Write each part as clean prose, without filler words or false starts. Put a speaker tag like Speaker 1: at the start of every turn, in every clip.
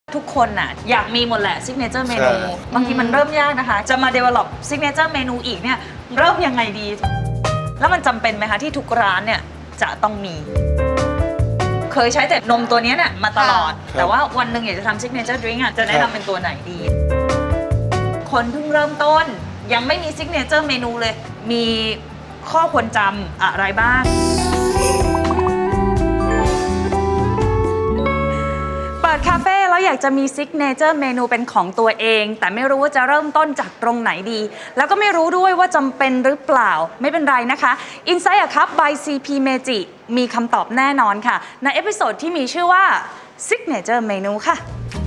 Speaker 1: ทุกคนน่ะอยากมีหมดแหละซิกเนเจอร์เมนูบางทีมันเริ่มยากนะคะจะมา develop ซิกเนเจอร์เมนูอีกเนี่ยเริ่มยังไงดี แล้วมันจำเป็นไหมคะที่ทุกร้านเนี่ยจะต้องมี เคยใช้แต่นมตัวนี้เนี่ยมาตลอดแต่ว่าวันหนึ่งอยากจะทำซิกเนเจอร์ดริงก์จะแนะนำเป็นตัวไหนดี คนเพิ่งเริ่มต้นยังไม่มีซิกเนเจอร์เมนูเลยมีข้อควรจำอะไรบ้างเปิดคาเฟ่แล้วอยากจะมีซิกเนเจอร์เมนูเป็นของตัวเองแต่ไม่รู้ว่าจะเริ่มต้นจากตรงไหนดีแล้วก็ไม่รู้ด้วยว่าจำเป็นหรือเปล่าไม่เป็นไรนะคะ Insight a Cup by CP Meiji มีคำตอบแน่นอนค่ะในเอพิโซดที่มีชื่อว่า Signature Menu ค่ะ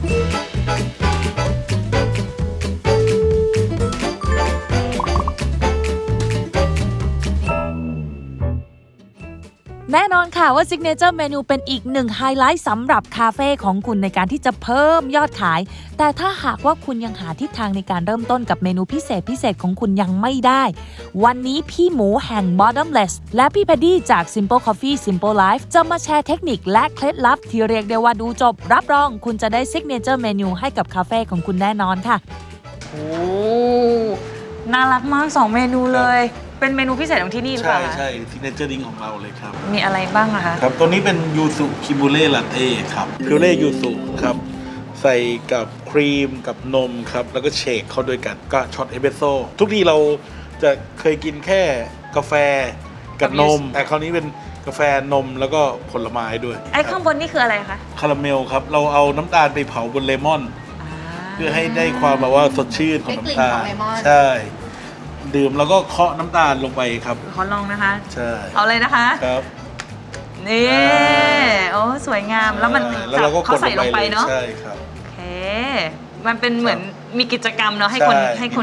Speaker 2: แน่นอนค่ะว่า Signature Menu เป็นอีกหนึ่งไฮไลท์สำหรับคาเฟ่ของคุณในการที่จะเพิ่มยอดขายแต่ถ้าหากว่าคุณยังหาทิศทางในการเริ่มต้นกับเมนูพิเศษของคุณยังไม่ได้วันนี้พี่หมูแห่ง Bottomless และพี่แพดดี้จาก Simple Coffee Simple Life จะมาแชร์เทคนิคและเคล็ดลับที่เรียกได้ว่าดูจบรับรองคุณจะได้ Signature Menu ให้กับคาเฟ่ของคุณแน่นอนค่ะ
Speaker 1: โอ้น่ารักมาก2เมนูเลยเป็นเมนูพิเศษของที่นี่หรือเปล่า
Speaker 3: ใช่ซิกเนเจอร์ดิ้งของเราเลยครับ
Speaker 1: มีอะไรบ้างอะคะ
Speaker 3: ครับตัวนี้เป็นยูสุคิมูเล่ลาเต้ครับคิมูเล่ยูสุครับใส่กับครีมกับนมครับแล้วก็เชคเข้าด้วยกันก็ช็อตเอสเปรสโซ่ทุกทีเราจะเคยกินแค่กาแฟกับนมแต่คราวนี้เป็นกาแฟนมแล้วก็ผลไม้ด้วย
Speaker 1: ไอ้ข้างบนนี่คืออะไรคะ
Speaker 3: คาราเมลครับเราเอาน้ำตาลไปเผาบนเลมอนเพื่อให้ได้ความแบบว่าสดชื่นของน้ำตาลใช่ดื่มแล้วก็เคาะน้ำตาลลงไปครับ
Speaker 1: ขอลองนะคะ
Speaker 3: ใช่
Speaker 1: เอาเลยนะคะ
Speaker 3: ครับ
Speaker 1: นี่โอ้สวยงามแล้วมันเขาใส่ลงไปเนาะ
Speaker 3: ใช่ครับ
Speaker 1: โอเคมันเป็นเหมือนมีกิจกรรมเนาะให้คน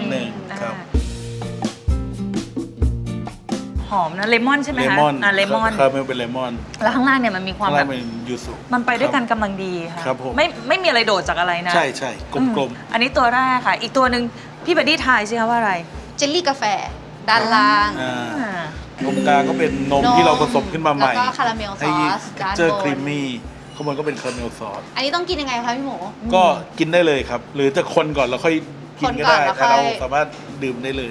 Speaker 1: หอมนะเลมอนใช่ไหมคะ
Speaker 3: เลมอนครับเป็นเลมอน
Speaker 1: แล้วข้างล่างเนี่ยมันมีความแบบ
Speaker 3: ยูสุ
Speaker 1: มันไปด้วยกันกำลังดีค่ะไม่มีอะไรโดดจากอะไรนะ
Speaker 3: ใช่กลม
Speaker 1: ๆอันนี้ตัวแรกค่ะอีกตัวหนึ่งพี่บัดดี้ทายสิคะว่าอะไร
Speaker 4: เจลลี่กาแฟด้านล่าง
Speaker 3: ตรงกลางก็เป็นนมที่เราผสมขึ้นมาใหม่
Speaker 4: แล้วก็คาราเมลซอส
Speaker 3: ด้านบนครีมมี่ข้างบนก็เป็นคาราเมลซอส
Speaker 4: อันนี้ต้องกินยังไงคะพี่หมู
Speaker 3: ก็กินได้เลยครับหรือจะคนก่อนแล้วค่อยกินก็ได้แต่เราสามารถดื่มได้เลย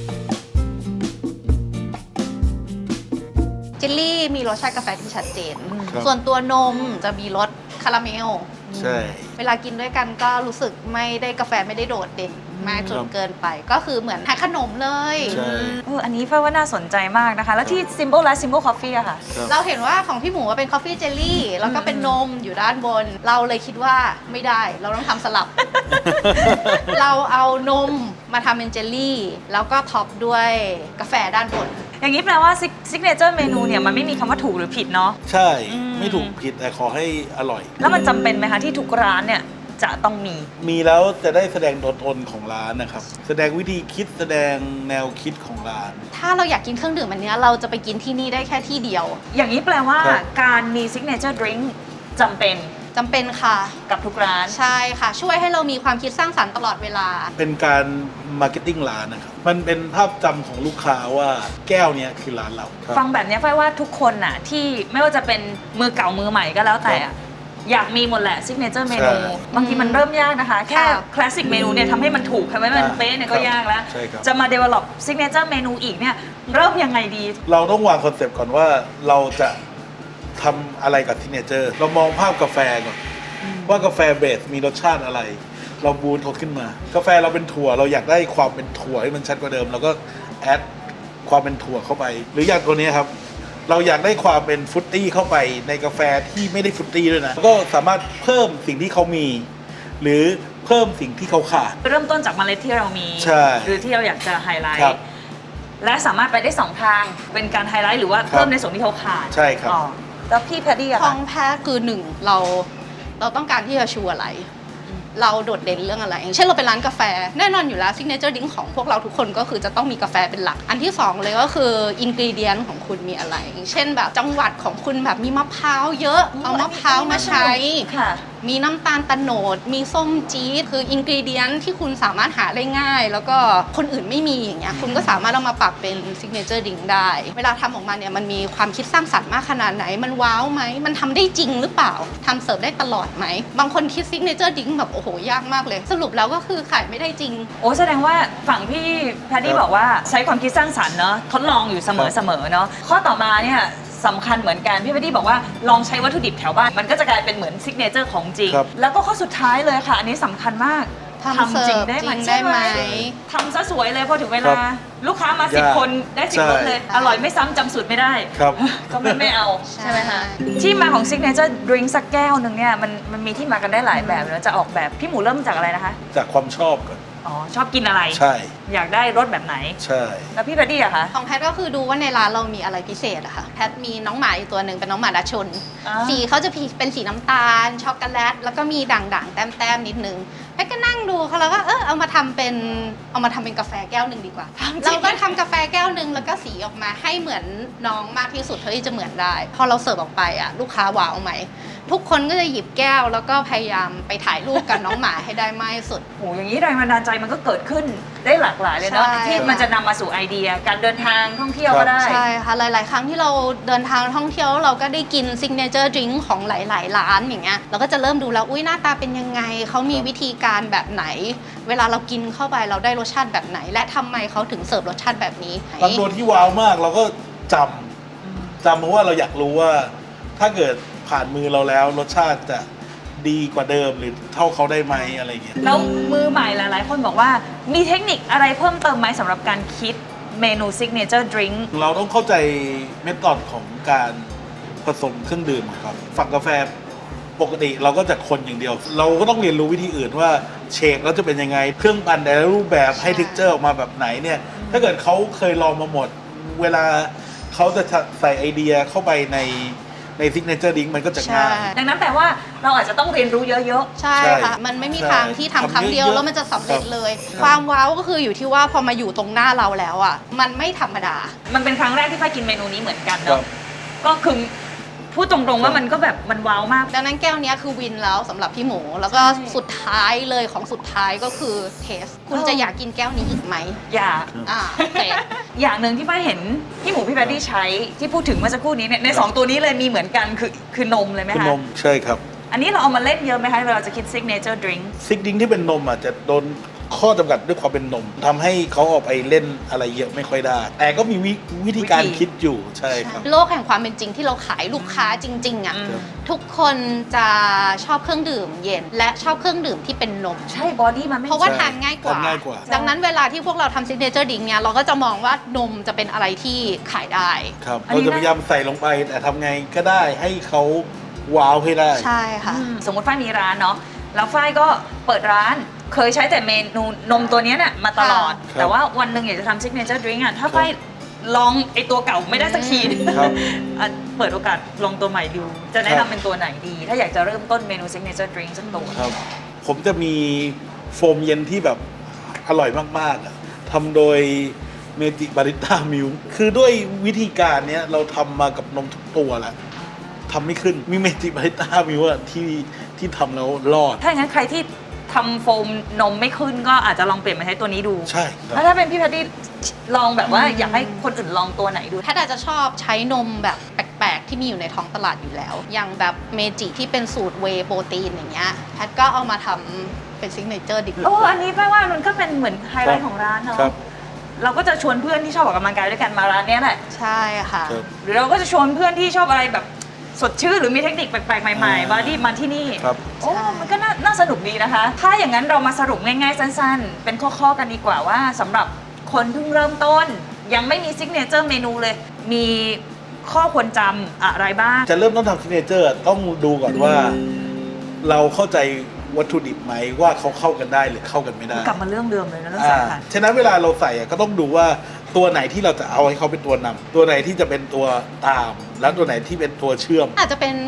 Speaker 4: เจลลี่มีรสชาติกาแฟที่ชัดเจนส่วนตัวนมจะมีรสคาราเมล
Speaker 3: ใช่
Speaker 4: เวลากินด้วยกันก็รู้สึกไม่ได้กาแฟไม่ได้โดดเด่นมากจนเกินไปก็คือเหมือนทานขนมเลย
Speaker 1: อันนี้เพื่อว่าน่าสนใจมากนะคะแล้วที่ Simple และ Simple Coffee อะค่ะ
Speaker 4: เราเห็นว่าของพี่หมูเป็น Coffee Jelly แล้วก็เป็นนมอยู่ด้านบนเราเลยคิดว่าไม่ได้เราต้องทำสลับ เราเอานมมาทำเป็นเจลลี่แล้วก็ท็อปด้วยกาแฟด้านบน
Speaker 1: อย่างนี้แปลว่าซิกเนเจอร์เมนูเนี่ยมันไม่มีคำว่าถูกหรือผิดเนาะ
Speaker 3: ใช่ไม่ถูกผิดแต่ขอให้อร่อย
Speaker 1: แล้วมันจำเป็นไหมคะที่ทุกร้านเนี่ยจะต้องมี
Speaker 3: แล้วจะได้แสดงตัวตนของร้านนะครับแสดงวิธีคิดแสดงแนวคิดของร้าน
Speaker 4: ถ้าเราอยากกินเครื่องดื่มอันนี้เราจะไปกินที่นี่ได้แค่ที่เดียว
Speaker 1: อย่างนี้แปลว่าการมีซิกเนเจอร์ดริงก์จำเป็น
Speaker 4: ค่ะ
Speaker 1: กับทุกร้าน
Speaker 4: ใช่ค่ะช่วยให้เรามีความคิดสร้างสรรค์ตลอดเวลา
Speaker 3: เป็นการมาร์เก็ตติ้งร้านนะครับมันเป็นภาพจำของลูกค้าว่าแก้วนี้คือร้านเรา
Speaker 1: ฟังแบบนี้ไฟว่าทุกคนน่ะที่ไม่ว่าจะเป็นมือเก่ามือใหม่ก็แล้วแต่อยากมีหมดแหละซิกเนเจอร์เมนูบางทีมันเริ่มยากนะคะแค่คลาสสิกเมนูเนี่ยทำให้มันถูกทำให้มันเป๊ะเนี่ยก็ยากแล้วจะมา develop ซิกเนเจอร์เมนูอีกเนี่ยเริ่มยังไงดี
Speaker 3: เราต้องวางคอนเซปต์ก่อนว่าเราจะทำอะไรกับซิกเนเจอร์เรามองภาพกาแฟก่อนว่ากาแฟเบสมีรสชาติอะไรเราบูทเขาขึ้นมากาแฟเราเป็นถั่วเราอยากได้ความเป็นถั่วให้มันชัดกว่าเดิมเราก็แอดความเป็นถั่วเข้าไปหรืออย่างตัวนี้ครับเราอยากได้ความเป็นฟรุตตี้เข้าไปในกาแฟที่ไม่ได้ฟรุตตี้ด้วยนะก็สามารถเพิ่มสิ่งที่เขามีหรือเพิ่มสิ่งที่เขาขาด
Speaker 1: เริ่มต้นจากเมล็ดที่เรามีหรือที่เราอยากจะไฮไลท์และสามารถไปได้2ทางเป็นการไฮไลท์หรือว่าเพิ่มในส่วนที่เขาขาด
Speaker 3: ใช่ครับ
Speaker 1: แล้วพี่แพดดี้อะ
Speaker 4: ของแพทคือ1เราต้องการที่จะชูอะไรเราโดดเด่นเรื่องอะไรอย่างเช่นเราเป็นร้านกาแฟแน่นอนอยู่แล้วซิกเนเจอร์ดิ้งของพวกเราทุกคนก็คือจะต้องมีกาแฟเป็นหลักอันที่2เลยก็คืออินกรีเดียนของคุณมีอะไรอย่างเช่นแบบจังหวัดของคุณแบบมีมะพร้าวเยอะเอามะพร้าวมาใช้มีน้ำตาลตะโนดมีส้มจี๊ดคืออินกรีเดียนที่คุณสามารถหาได้ง่าย แล้วก็คนอื่นไม่มีอย่างเงี้ยคุณก็สามารถเอามาปรับเป็นซิกเนเจอร์ดิงได้ เวลาทำออกมาเนี่ยมันมีความคิดสร้างสรรค์มากขนาดไหนมันว้าวไหมมันทำได้จริงหรือเปล่าทำเสิร์ฟได้ตลอดไหมบางคนคิดซิกเนเจอร์ดิงแบบโอ้โหยากมากเลยสรุปแล้วก็คือขายไม่ได้จริง
Speaker 1: โอ้แสดงว่าฝั่งพี่แพดดี้บอกว่าใช้ความคิดสร้างสรรค์เนาะทดลองอยู่เสมอเนาะข้อต่อมาเนี่ยสำคัญเหมือนกันพี่แพดดี้บอกว่าลองใช้วัตถุดิบแถวบ้านมันก็จะกลายเป็นเหมือนซิกเนเจอร์ของจริง
Speaker 3: ครับ
Speaker 1: แล้วก็ข้อสุดท้ายเลยค่ะ อันนี้สำคัญมาก
Speaker 4: ทำเสิร์ฟจริงได้ไหม
Speaker 1: ทำซะสวยเลยพอถึงเวลา
Speaker 3: ครับ
Speaker 1: ลูกค้ามา
Speaker 3: ยาก
Speaker 1: 10 คนได้10
Speaker 3: ใช่
Speaker 1: รสเลย อร่อยไม่ซ้ำจำสูตรไม่ได้
Speaker 3: ครับ
Speaker 1: ก็ไม่เอา
Speaker 4: ใช่
Speaker 1: ใช่ไหมคะที่มาของซิกเนเจอร์ดริงก์สักแก้วหนึ่งเนี่ยมันมีที่มากันได้หลายแบบแล้วจะออกแบบพี่หมูเริ่มจากอะไรนะคะ
Speaker 3: จากความชอบก่อน
Speaker 1: อ๋อชอบกินอะไร
Speaker 3: ใช่
Speaker 1: อยากได้รสแบบไหน
Speaker 3: ใช่
Speaker 1: แล้วพี่แพดดี้อะคะ
Speaker 4: ของแพทก็คือดูว่าในร้านเรามีอะไรพิเศษอะค่ะแพทมีน้องหมาอยู่ตัวหนึ่งเป็นน้องหมาดัชชน
Speaker 1: อ่า
Speaker 4: สีเขาจะเป็นสีน้ำตาลช็อกโกแลตแล้วก็มีด่างๆแต้มๆนิดนึงแพทก็นั่งดูเขาแล้วก็เอามาทำเป็นกาแฟแก้วหนึ่งดีกว่าเราก็ทำกาแฟแก้วหนึ่งแล้วก็สีออกมาให้เหมือนน้องมากที่สุดเท่าที่จะเหมือนได้พอเราเสิร์ฟออกไปอะลูกค้าว้าวไหมทุกคนก็จะหยิบแก้วแล้วก็พยายามไปถ่ายรูปกับน้องหมาให้ได้มากที่สุด
Speaker 1: โอ้อย่างนี้แรงบันดาลใจมันก็เกิดขึ้นได้หลากหลายเลยเนาะ
Speaker 4: ใช่
Speaker 1: ที่มันจะนำมาสู่ไอเดีย การเดินทางท่องเที่ยวก็ได้
Speaker 4: ใช่ค่ะหลาย ๆ ครั้งที่เราเดินทางท่องเที่ยวเราก็ได้กินซิกเนเจอร์ดริงก์ของหลาย ๆ ร้านอย่างเงี้ยเราก็จะเริ่มดูแล้วอุ้ยหน้าตาเป็นยังไงเขามีวิธีการแบบไหน เวลาเรากินเข้าไปเราได้รสชาติแบบไหน และทำไมเขาถึงเสิร์ฟรสชาติแบบนี้
Speaker 3: บางตัวที่ว้าวมากเราก็จำเพราะว่าเราอยากรู้ว่าถ้าเกิดผ่านมือเราแล้วรสชาติจะดีกว่าเดิมหรือเท่าเขาได้ไหมอะไรอย่างเงี้ย
Speaker 1: แล้วมือใหม่หลาย ๆ คนบอกว่ามีเทคนิคอะไรเพิ่มเติมไหมสำหรับการคิดเมนูซิกเนเจอร์ดริงก์
Speaker 3: เราต้องเข้าใจเมธอดของการผสมเครื่องดื่มครับฝั่งกาแฟปกติเราก็จะคนอย่างเดียว เราก็ต้องเรียนรู้วิธีอื่นว่าเชคแล้วจะเป็นยังไง เครื่องปั่นแต่ละรูปแบบให้
Speaker 4: ใช่
Speaker 3: เท็กเจอร์ออกมาแบบไหนเนี่ย ถ้าเกิดเขาเคยลองมาหมด เวลาเขาจะใส่ไอเดียเข้าไปในซิกเนเจอร์ดิ้งมันก็จะง่าย
Speaker 1: ดังนั้นแปลว่าเราอาจจะต้องเรียนรู้เยอะ
Speaker 4: ใช่
Speaker 3: ใช่
Speaker 4: ค่ะ มันไม่มี
Speaker 3: ใช่
Speaker 4: ทางที่ทำครั้งเดียว
Speaker 3: ทำเยอะๆ
Speaker 4: แล้วมันจะสำเร็จ
Speaker 3: ครับ
Speaker 4: เลย
Speaker 3: ครับ
Speaker 4: ความว้าวก็คืออยู่ที่ว่าพอมาอยู่ตรงหน้าเราแล้วอ่ะมันไม่ธรรมดา
Speaker 1: ๆ มันเป็นครั้งแรกที่ฝ้ายกินเมนูนี้เหมือนกัน
Speaker 3: ครั
Speaker 1: เนาะ
Speaker 3: บ
Speaker 1: ก็คือพูดตรงๆว่ามันก็แบบมันว้าวมาก
Speaker 4: ดังนั้นแก้วเนี้ยคือวินแล้วสำหรับพี่หมู แล้วก็
Speaker 1: ใช่
Speaker 4: สุดท้ายเลยของสุดท้ายก็คือเทส คุณจะอยากกินแก้วนี้อีกไหม
Speaker 1: อย่า
Speaker 4: โอเค
Speaker 1: อย่างหนึ่งที่ฝ้ายเห็นพี่หมูพี่แพดดี้ใช้ที่พูดถึงเมื่อสักครู่นี้เนี่ยในสองตัวนี้เลยมีเหมือนกันคือนมเลยไหม
Speaker 3: คุณ
Speaker 1: คะ
Speaker 3: นมใช่ครับ
Speaker 1: อันนี้เราเอามาเล่นเยอะไหมคะเวลาจะคิดซิกเนเจอร์ดริงก์
Speaker 3: ซิกดิ้งที่เป็นนมอ่ะจะโดนข้อจำกัดด้วยความเป็นนมทำให้เขาออกไปเล่นอะไรเยอะไม่ค่อยได้ แต่ก็มีวิธีการคิดอยู่ใช่ครับ
Speaker 4: โลกแห่งความเป็นจริงที่เราขายลูกค้าจริงๆอ่ะ
Speaker 1: อืม
Speaker 4: ทุกคนจะชอบเครื่องดื่มเย็น และชอบเครื่องดื่มที่เป็นนม
Speaker 1: ใช่บอดี้มันไม่
Speaker 4: เพราะว่า
Speaker 3: ใช่
Speaker 4: ทานง่ายกว่า
Speaker 3: ทานง่ายกว่า
Speaker 4: ดังนั้นเวลาที่พวกเราทำซิกเนเจอร์ดิ้งเนี่ยเราก็จะมองว่านมจะเป็นอะไรที่ขายได้
Speaker 3: ครับ
Speaker 1: อันนี้
Speaker 3: เราจะพยายามใส่ลงไปแต่ทำไงก็ได้ให้เขาว้าวให้ได้
Speaker 4: ใช่ค่ะ
Speaker 1: สมมติฝ้ายมีร้านเนาะแล้วฝ้ายก็เปิดร้านเคยใช้แต่เมนูนมตัวเนี้ยน่ะมาตลอด
Speaker 3: ครับ
Speaker 1: แต่ว่าวันหนึ่งอยากจะทำซิกเนเจอร์ดริงก์อ่ะถ้าฝ้ายลองไอตัวเก่าไม่ได้สักที
Speaker 3: ครับ
Speaker 1: อ่ะเปิดโอกาสลองตัวใหม่ดู จะแนะ
Speaker 3: ครั
Speaker 1: นำ
Speaker 3: บ
Speaker 1: เป็นตัวไหนดี ถ้าอยากจะเริ่มต้นเมนูซิกเนเจอร์ดริงก์สักตัว
Speaker 3: ครับ ผมจะมีโฟมเย็นที่แบบอร่อยมากๆอะทำโดยเมจิบาริต้ามิลคือด้วยวิธีการเนี้ยเราทำมากับนมทุกตัวแหละทำไม่ขึ้นมีเมจิบาริต้ามิลที่ทำแล้วรอด
Speaker 1: ถ้าอย่างนั้นใครที่ทำโฟมนมไม่ขึ้นก็อาจจะลองเปลี่ยนมาใช้ตัวนี้ดู
Speaker 3: ใช่ค
Speaker 1: แล้ว
Speaker 3: รับ
Speaker 1: ถ้าเป็นพี่แพดดี้ลองแบบว่าอยากให้คนอื่นลองตัวไหนดู
Speaker 4: แพทย์อาจจะชอบใช้นมแบบแปลกๆ ที่มีอยู่ในท้องตลาดอยู่แล้ว อย่างแบบเมจิที่เป็นสูตรเวย์โปรตีนอย่างเงี้ยแพทย์ก็เอามาทำเป็นซิกเนเจอร์ดิ
Speaker 1: โอ้อันนี้แปลว่ามันก็เป็นเหมือนไฮไล
Speaker 3: ครั
Speaker 1: ท์
Speaker 3: บ
Speaker 1: ของร้านเนาะ
Speaker 3: ครับ
Speaker 1: เราก็จะชวนเพื่อนที่ชอบออกกำลังกายด้วยกันมาร้านเนี้ยแหละ
Speaker 4: ใช่ค่ะ
Speaker 3: ครับ
Speaker 1: หรือเราก็จะชวนเพื่อนที่ชอบอะไรแบบสดชื่นหรือมีเทคนิคแปลกๆ ใหม่ๆมาที่นี่
Speaker 3: ครับ
Speaker 1: โอ้มันก็น่าสนุกดีนะคะ ถ้าอย่างนั้นเรามาสรุปง่ายๆ สั้นๆ เป็นข้อๆกันดีกว่าว่าสำหรับคนเพิ่งเริ่มต้น ยังไม่มีซิกเนเจอร์เมนูเลย มีข้อควรจำอะไรบ้าง
Speaker 3: จะเริ่มต้นทำซิกเนเจอร์ต้องดูก่อนว่า เราเข้าใจวัตถุดิบไหมว่าเขาเข้ากันได้หรือเข้ากันไม่ได้
Speaker 1: กลับมาเรื่องเดิมเลยนะเรื่อง
Speaker 3: อ่า
Speaker 1: สำคัญ
Speaker 3: ฉะนั้นเวลาเราใส่อะก็ต้องดูว่าตัวไหนที่เราจะเอาให้เขาเป็นตัวนำตัวไหนที่จะเป็นตัวตาม แล้วตัวไหนที่เป็นตัวเชื่อม
Speaker 4: อาจจะเป็น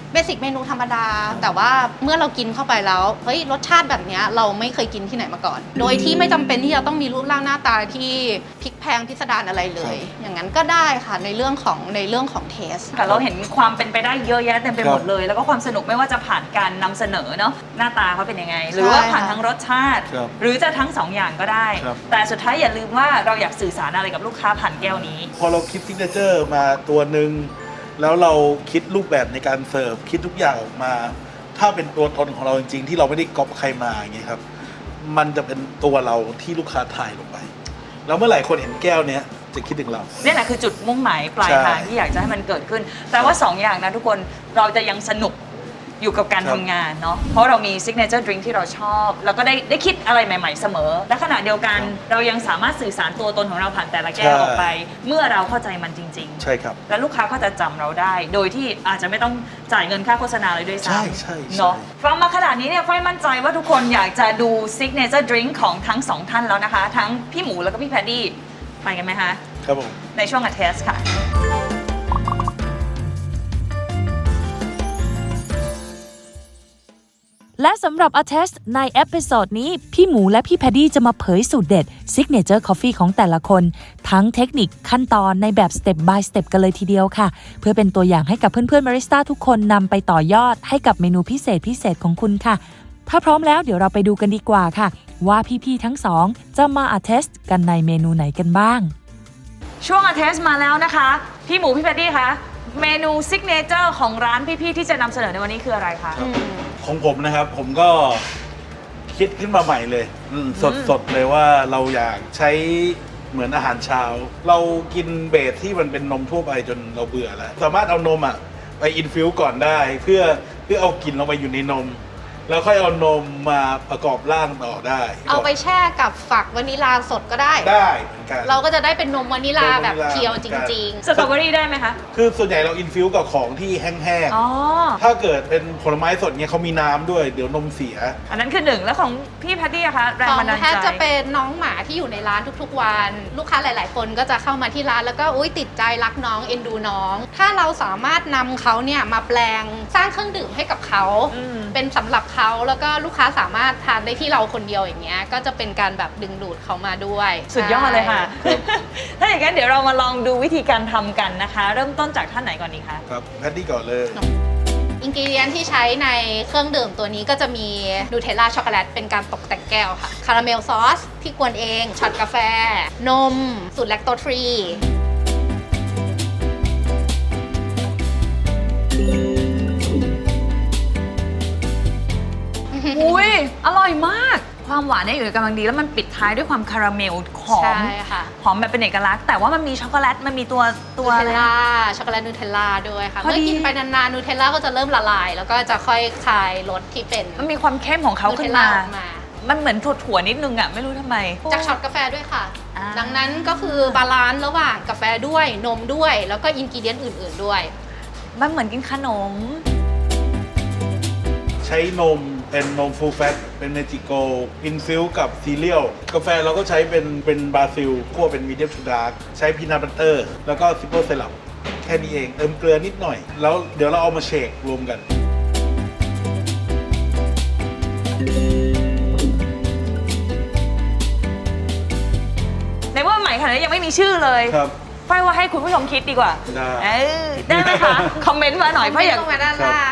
Speaker 4: เบสิกเมนูธรรมดา แต่ว่าเมื่อเรากินเข้าไปแล้วเฮ้ยรสชาติแบบเนี้ยเราไม่เคยกินที่ไหนมาก่อน โดยที่ไม่จำเป็นที่จะต้องมีรูปร่างหน้าตาที่พลิกแพงพิสดารอะไรเลย อย่างนั้นก็ได้ค่ะในเรื่องของเทส
Speaker 1: ค่ะเราเห็นความเป็นไปได้เยอะแยะเต็มไปหมดเลย แล้วก็ความสนุกไม่ว่าจะผ่านการนำเสนอเนาะหน้าตาเขาเป็นยังไง หรือว่าผ่านทั้งรสชาติ
Speaker 3: ครับ
Speaker 1: หรือจะทั้งสองอย่างก็ได้
Speaker 3: ครับ
Speaker 1: แต่สุดท้ายอย่าลืมว่าเราอยากสื่อสารอะไรกับลูกค้าผ่านแก้วนี้
Speaker 3: พอเราคิดซิกเนเจอร์มาตัวหนึ่งแล้วเราคิดรูปแบบในการเสิร์ฟคิดทุกอย่างออกมา ถ้าเป็นตัวตนของเราจริงๆ ที่เราไม่ได้ก๊อปใครมาอย่างเงี้ยครับมันจะเป็นตัวเราที่ลูกค้าถ่ายลงไป แล้วเมื่อไหร่คนเห็นแก้วเนี้ยจะคิดถึงเรา
Speaker 1: นี่แหละคือจุดมุ่งหมายปลายทาง
Speaker 3: ใช่
Speaker 1: ที่อยากจะให้มันเกิดขึ้น แต่ว่า 2 อย่างนะทุกคนเราจะยังสนุกอยู่กับการ
Speaker 3: ครับ
Speaker 1: ทำงานเนาะเพราะเรามีซิกเนเจอร์ดริงก์ที่เราชอบ แล้วก็ได้คิดอะไรใหม่ๆเสมอ และขณะเดียวกันเรายังสามารถสื่อสารตัวตนของเราผ่านแต่ละแก้วออกไป เมื่อเราเข้าใจมันจริง
Speaker 3: ใช่ครับ
Speaker 1: ๆ และลูกค้าก็จะจำเราได้ โดยที่อาจจะไม่ต้องจ่ายเงินค่าโฆษณาเลยด้วยซ้
Speaker 3: ใช่
Speaker 1: ำ
Speaker 3: ใช่
Speaker 1: เนาะฟังมาขนาดนี้เนี่ยฝ้ายมั่นใจว่าทุกคนอยากจะดูซิกเนเจอร์ดริงก์ของทั้งสองท่านแล้วนะคะ ทั้งพี่หมูแล้วก็พี่แพดดี้ไปกันไหมคะ
Speaker 3: ครับผม
Speaker 1: ในช่วงอัดเทสค่ะ
Speaker 2: และสำหรับ Attest ในเอพิโซดนี้ พี่หมูและพี่แพดดี้จะมาเผยสูตรเด็ด Signature Coffee ของแต่ละคน ทั้งเทคนิคขั้นตอนในแบบ Step by Step กันเลยทีเดียวค่ะ เพื่อเป็นตัวอย่างให้กับเพื่อนๆบาริสต้าทุกคนนำไปต่อยอดให้กับเมนูพิเศษของคุณค่ะ ถ้าพร้อมแล้วเดี๋ยวเราไปดูกันดีกว่าค่ะ ว่าพี่ๆทั้งสองจะมา Attest กันในเมนูไหนกันบ้าง
Speaker 1: ช่วงอัดเทสมาแล้วนะคะ พี่หมูพี่แพดดี้คะเมนูซิกเนเจอร์ของร้านพี่ๆที่จะนำเสนอในวันนี้คืออะไรคะ
Speaker 3: ของผมนะครับผมก็คิดขึ้นมาใหม่เลยสดเลยว่าเราอยากใช้เหมือนอาหารเช้า เรากินเบสที่มันเป็นนมทั่วไปจนเราเบื่อแล้วสามารถเอานมไปอินฟิวก่อนได้เพื่อเอากลิ่นลงไปอยู่ในนม แล้วค่อยเอานมมาประกอบร่างต่อได้
Speaker 4: เอาไปแช่กับฝักวานิลาสดก็ได้
Speaker 3: ได้เหมือนกัน
Speaker 4: เราก็จะได้เป็นนมวานิลาแบบ
Speaker 3: นมวานิลา
Speaker 4: เพียวจริง
Speaker 1: สตรอเบอรี่ได้ไหมคะ
Speaker 3: คือส่วนใหญ่เราอินฟิวกับของที่แห้ง
Speaker 1: อ๋อ
Speaker 3: ๆถ้าเกิดเป็นผลไม้สดเนี่ยเขามีน้ำด้วยเดี๋ยวนมเสีย
Speaker 1: อันนั้นคือหนึ่งแล้วของพี่แพดดี้อะคะแร
Speaker 4: ๆ
Speaker 1: ง
Speaker 4: ของ
Speaker 1: บันดาล
Speaker 4: แพท
Speaker 1: ใจ
Speaker 4: จะเป็นน้องหมาที่อยู่ในร้านทุกๆวัน ลูกค้าหลายๆ คนก็จะเข้ามาที่ร้านแล้วก็อุ๊ยติดใจรักน้องเอ็นดูน้อง ถ้าเราสามารถนำเขาเนี่ยมาแปลงสร้างเครื่องดื่มให้กับเขา
Speaker 1: อืม
Speaker 4: เป็นสำหรับเขาแล้วก็ลูกค้าสามารถทานได้ที่เราคนเดียวอย่างเงี้ยก็จะเป็นการแบบดึงดูดเขามาด้วย
Speaker 1: สุดยอดเลยค่ะ
Speaker 3: ใช่
Speaker 1: ถ้าอย่างนั้นเดี๋ยวเรามาลองดูวิธีการทำกันนะคะ เริ่มต้นจากท่านไหนก่อนดีคะ
Speaker 3: ครับแพทตี้ก่อนเลย
Speaker 4: อินกิเดียนที่ใช้ในเครื่องดื่มตัวนี้ก็จะมีนูเทลล่าช็อกโกแลตเป็นการตกแต่งแก้วค่ะ คาราเมลซอสที่กวนเอง ช็อตกาแฟ นม สูตรแลคโตสฟรี
Speaker 1: อุ้ยอร่อยมาก ความหวานเนี่ยอยู่ในกำลังดีแล้วมันปิดท้ายด้วยความคาราเมลหอ
Speaker 4: ใช่
Speaker 1: ม
Speaker 4: ค่ะ
Speaker 1: หอมแบบเป็นเอกลักษณ์แต่ว่ามันมีช็อกโกแลตมันมีตัว
Speaker 4: นู
Speaker 1: อะ
Speaker 4: เท
Speaker 1: ไร
Speaker 4: ล
Speaker 1: นะ
Speaker 4: ล่าช็อกโกแลตนูเทลล่าด้วยค่ะ
Speaker 1: พอดี
Speaker 4: เมื่อกินไปนานๆนูเทลล่าก็จะเริ่มละลาย แล้วก็จะค่อยคลายรสที่เป็น
Speaker 1: มันมีความเข้มของเขา
Speaker 4: นู
Speaker 1: ขึ้
Speaker 4: เท
Speaker 1: น
Speaker 4: ลล่า
Speaker 1: มา
Speaker 4: ออกมา
Speaker 1: มันเหมือนถั่วๆนิดนึงอะไม่รู้ทำไม
Speaker 4: จากช็อตกาแฟด้วยค่ะ
Speaker 1: อ่า
Speaker 4: ดังนั้นก็คือบาลานซ์ระหว่างกาแฟด้วยนมด้วย แล้วก็อินกิเดียนอื่นๆด้วย
Speaker 1: มันเหมือนกินขนม
Speaker 3: ใช้นมเป็นนมฟูลแฟตเป็นเนจิโกอินฟิวกับซีเรียลกาแฟเราก็ใช้เป็นบราซิลคั่วเป็นมีเดียมทูดาร์กใช้พีนัทบัตเตอร์แล้วก็ซิปเปิลไซรัปแค่นี้เองเติมเกลือนิดหน่อย แล้วเดี๋ยวเราเอามาเชครวมกัน
Speaker 1: ในว่าใหม่ขนาดนี้ยังไม่มีชื่อเลย
Speaker 3: ครับ
Speaker 1: ฝ้ายว่าให้คุณผู้ชมคิดดีกว่า
Speaker 3: ได้
Speaker 1: ได้ไหมคะ คอมเมนต์มาหน่อยฝ้ายอยาก
Speaker 4: ลงมาด้านล่าง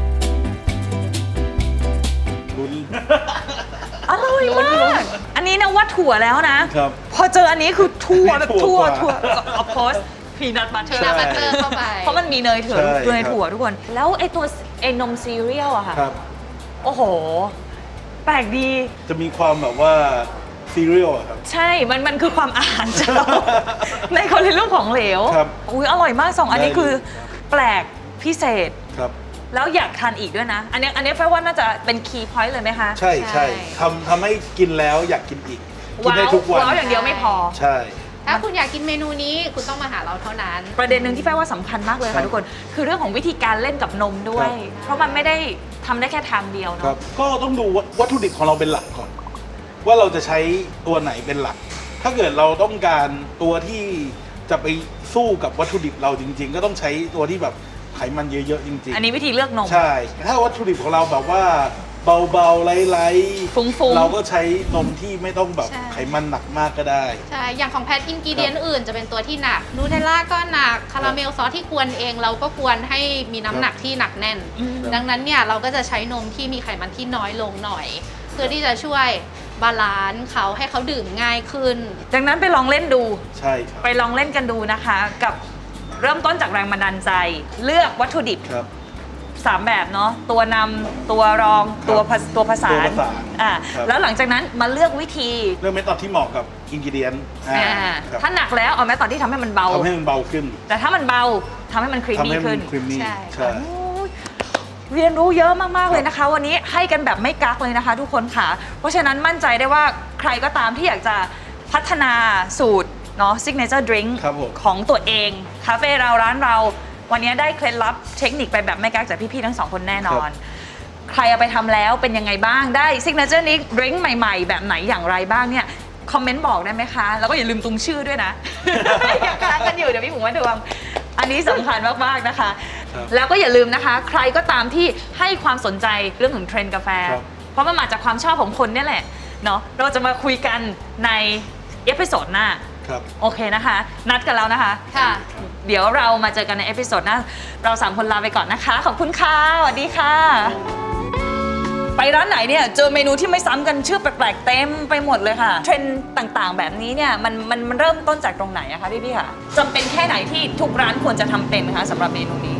Speaker 3: ลุ้น
Speaker 1: อร่อยมาก อันนี้นะว่าถั่วแล้วนะ
Speaker 3: ครับ
Speaker 1: พอเจออันนี้คือถั่วแบบ
Speaker 3: ถั่
Speaker 1: ถั่ว
Speaker 3: วกว่า
Speaker 1: ออฟโคสพีนัทบัตเตอร์
Speaker 4: พีนัทบัตเตอร์เข้าไป
Speaker 1: เพราะมันมีเนยถั่ว
Speaker 3: ใช่
Speaker 1: เนย
Speaker 3: ครับ
Speaker 1: ถั่วทุกคน แล้วไอ้นมซีเรียลอะค่ะ
Speaker 3: ครับ
Speaker 1: โอ้โห แปลกดี
Speaker 3: จะมีความแบบว่าซีเรียลครับ
Speaker 1: ใช่ มันคือความอาหารเช้า ในคนในเรื่องของเหลว
Speaker 3: ครับ
Speaker 1: อุ้ยอร่อยมากสองอันนี้
Speaker 3: ได้
Speaker 1: คือแปลกพิเศษ
Speaker 3: ครับ
Speaker 1: แล้วอยากทานอีกด้วยนะ อันนี้แปลว่าน่าจะเป็นคีย์พอยต์เลยไหมคะ
Speaker 3: ใช่
Speaker 4: ใช่
Speaker 3: ใช่ทำให้กินแล้วอยากกินอีก กินได้ทุกวัน
Speaker 1: ว้าวอย่างเดียวไม่พอ
Speaker 3: ใช่
Speaker 4: ถ้าคุณอยากกินเมนูนี้คุณต้องมาหาเราเท่านั้น
Speaker 1: ประเด็นหนึ่งที่แปลว่าสำคัญมากเลย
Speaker 3: ครั
Speaker 1: ค่ะ
Speaker 3: บ
Speaker 1: ทุกคน คือเรื่องของวิธีการเล่นกับนมด้วย
Speaker 3: ครับ
Speaker 1: เพราะมันไม่ได้ทำได้แค่ทางเดียว
Speaker 3: ครั
Speaker 1: เนาะ
Speaker 3: บก็ต้องดูวัตถุดิบของเราเป็นหลักก่อน ว่าเราจะใช้ตัวไหนเป็นหลัก ถ้าเกิดเราต้องการตัวที่จะไปสู้กับวัตถุดิบเราจริง ๆ ก็ต้องใช้ตัวที่แบบไขมันเยอะๆจริงๆ
Speaker 1: อันนี้วิธีเลือกนม
Speaker 3: ใช่ ถ้าวัตถุดิบของเราแบบว่าเบาๆไร้ๆ
Speaker 1: ฟุ้งๆ
Speaker 3: เราก็ใช้นมที่ไม่ต้องแบบ
Speaker 4: ใช่
Speaker 3: ไขมันหนักมากก็ได้
Speaker 4: ใช่ อย่างของแพทอินกิเดียนอื่นจะเป็นตัวที่หนัก นูเทลล่าก็หนัก คาราเมลซอสที่กวนเองเราก็กวนให้มีน้ำหนักที่หนักแน่น ดังนั้นเนี่ยเราก็จะใช้นมที่มีไขมันที่น้อยลงหน่อย เพื่อที่จะช่วยบาลานซ์เขาให้เขาดื่มง่ายขึ้น
Speaker 1: ดังนั้นไปลองเล่นดู
Speaker 3: ใช่ครับ
Speaker 1: ไปลองเล่นกันดูนะคะ กับเริ่มต้นจากแรงบันดาลใจ เลือกวัตถุดิบ
Speaker 3: ครับ
Speaker 1: 3 แบบเนาะตัวนำตัวรองตัวผสาน
Speaker 3: ตัวผสาน
Speaker 1: อ่า
Speaker 3: ครับ
Speaker 1: แล้วหลังจากนั้นมาเลือกวิธี
Speaker 3: เรื่องเมธอดที่เหมาะกับอินกิเดียน
Speaker 1: ถ้าหนักแล้วเอาแม้ตอนที่ทำให้มันเบา
Speaker 3: ทำให้มันเบาขึ้น
Speaker 1: แต่ถ้ามันเบาทำให้มันครีม
Speaker 3: ทำ
Speaker 1: มี่
Speaker 3: ให้มั
Speaker 1: ขึ้
Speaker 3: น
Speaker 1: น
Speaker 3: ครีมมี่
Speaker 4: ใช่
Speaker 3: ใช่
Speaker 1: โอ้ยเรียนรู้เยอะมาก ๆ เลยนะคะ วันนี้ให้กันแบบไม่กักเลยนะคะ ทุกคนค่ะ เพราะฉะนั้นมั่นใจได้ว่าใครก็ตามที่อยากจะพัฒนาสูตรเนาะ signature drink
Speaker 3: ครับผม
Speaker 1: ของตัวเองคาเฟ่เราร้านเรา วันนี้ได้เคล็ดลับเทคนิคไปแบบไม่กักจากพี่ ๆ ทั้งสองคนแน่นอน ใครเอาไปทำแล้วเป็นยังไงบ้างได้ signature drink ใหม่ ๆ แบบไหนอย่างไรบ้างเนี่ยคอมเมนต์บอกได้ไหมคะ แล้วก็อย่าลืมตุงชื่อด้วยนะ ยังค้างกันอยู่เดี๋ยวพี่หมูมาดวงอันนี้สำคัญมาก ๆ นะคะ
Speaker 3: ครับ
Speaker 1: แล้วก็อย่าลืมนะคะ ใครก็ตามที่ให้ความสนใจเรื่องของเทรนด์กาแฟ
Speaker 3: ครับ
Speaker 1: เพราะมันมาจากความชอบของคนเนี่ยแหละเนาะเราจะมาคุยกันในเอพิโซดหน้า
Speaker 3: ครับ
Speaker 1: โอเคนะคะ นัดกันแล้วนะคะ
Speaker 4: ค่ะ
Speaker 1: เดี๋ยวเรามาเจอกันในเอพิโซดหน้า เรา3 คนลาไปก่อนนะคะ ขอบคุณค่ะสวัสดีค่ะ ไปร้านไหนเนี่ยเจอเมนูที่ไม่ซ้ำกันชื่อแปลกๆเต็มไปหมดเลยค่ะ เทรนด์ต่างๆ แบบนี้เนี่ยมันเริ่มต้นจากตรงไหนอะคะพี่ๆค่ะจำเป็นแค่ไหนที่ทุกร้านควรจะทำเป็นคะสำหรับเมนูนี้